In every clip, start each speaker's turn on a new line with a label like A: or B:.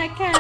A: นะคะ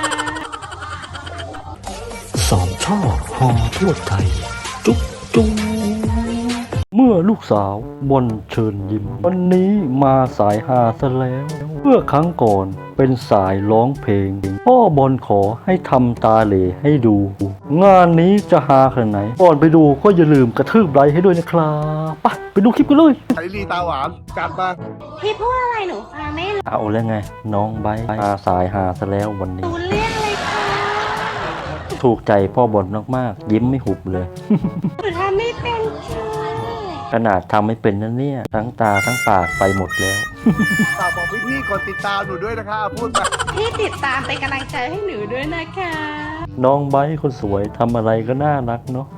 B: สามชาติฮอทั่วไทย จุ๊บจุ๊บเมื่อลูกสาวบนเชิญยิ้ม วันนี้มาสายฮาซะแล้ว เมื่อครั้งก่อนเป็นสายร้องเพลง พ่อบอลขอให้ทำตาเหล่ให้ดู งานนี้จะฮาขนาดไหน ก่อนไปดูก็อย่าลืมกระทืบไลค์ให้ด้วยนะครับไปดูคลิปกันเลย
C: ไอรีตาหวานจัดมา
A: พี่พูดอะไรหนูฟังไม่รู้
B: เอาแล้วไง น้องไบร์ทมาสายฮาซะแล้ววันนี้
A: เรื่องเลยค่ะ
B: ถูกใจพ่อบอลมากๆยิ้มไม่หุบเลย
A: หนูทำไม่เป็นค่ะ
B: ขนาดทำไม่เป็นนั่นเนี่ยทั้งตาทั้งปากไปหมดแล้ว
C: ฝากบอกพี่ๆกดติดตามหนูด้วยนะคะพูดมา
A: พี่ติดตามเป็นกำลังใจให้หนูด้วยนะคะ
B: น้องไบร์ทคนสวยทำอะไรก็น่ารักเนาะ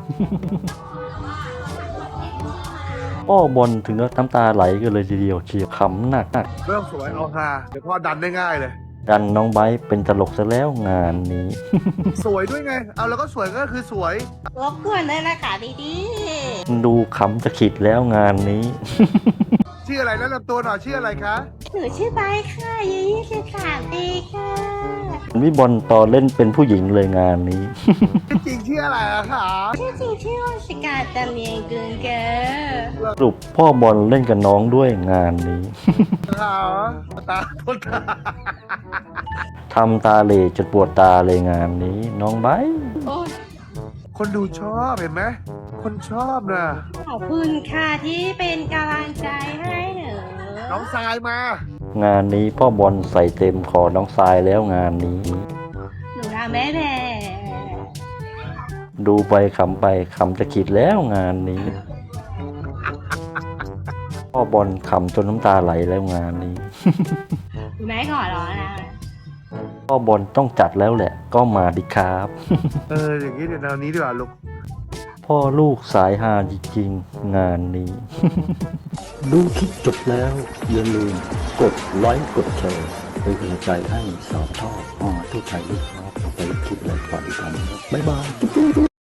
B: พ่อบอลถึงกับน้ำตาไหลกันเลยทีเดียวเชียวขำหนัก
C: เริ่มสวยเอาฮาเดี๋ยวพ่อดันได้ง่ายเลย
B: ดันน้องไบร์ทเป็นตลกซะแล้วงานนี้
C: สวยด้วยไง เอาแล้วก็สวยก็คือสวย
A: รบกวนด้วยนะคะดี
B: ดูขำจะขิดแล้วงานนี้
C: ชื่ออะไรแนะนำตัวหน่อยชื่ออะไรคะ
A: ๆหนูชื่อใบค่ะอายุ23 ปีค่ะ
B: วิบอลต่อเล่นเป็นผู้หญิงเลยงานนี้
C: จริงชื่ออะไรอะคะ
A: ชื่อจริงชื่อวชิกาจำเนียงกึงเกอ
B: สรุปพ่อบอลเล่นกับน้องด้วยงานนี้
C: ขาวตาคนตา
B: ทำตาเหล่จนปวดตาเลยงานนี้ น้องไบร์ท
A: โอ้ย
C: คนดูชอบเห็นไหมคนชอบนะ
A: ขอบคุณค่ะที่เป็นกำลังใจให้หนู
C: น้องทรายมา
B: งานนี้พ่อบอลใส่เต็มขอน้องทรายแล้วงานนี้
A: หนูทำไม่แพ้
B: ดูไปขำไปขำจะขิดแล้วงานนี้ พ่อบอลขำจนน้ำตาไหลแล้วงานนี้
A: หนูไม่ขอร้องนะ
B: พ่อบอลต้องจัดแล้วแหละ ก็มาดิครับ
C: อย่างนี้เดี๋ยวแนวนี้ดีกว่าลูก
B: พ่อลูกสายฮาจริงๆงานนี้ ดูคลิปจบแล้วอย่าลืมกดไลค์กดแชร์เป็นกำลังใจให้สาวทอดทั่วไทยด้วยครับไปคลิปอะไรก่อนกันบ๊ายบาย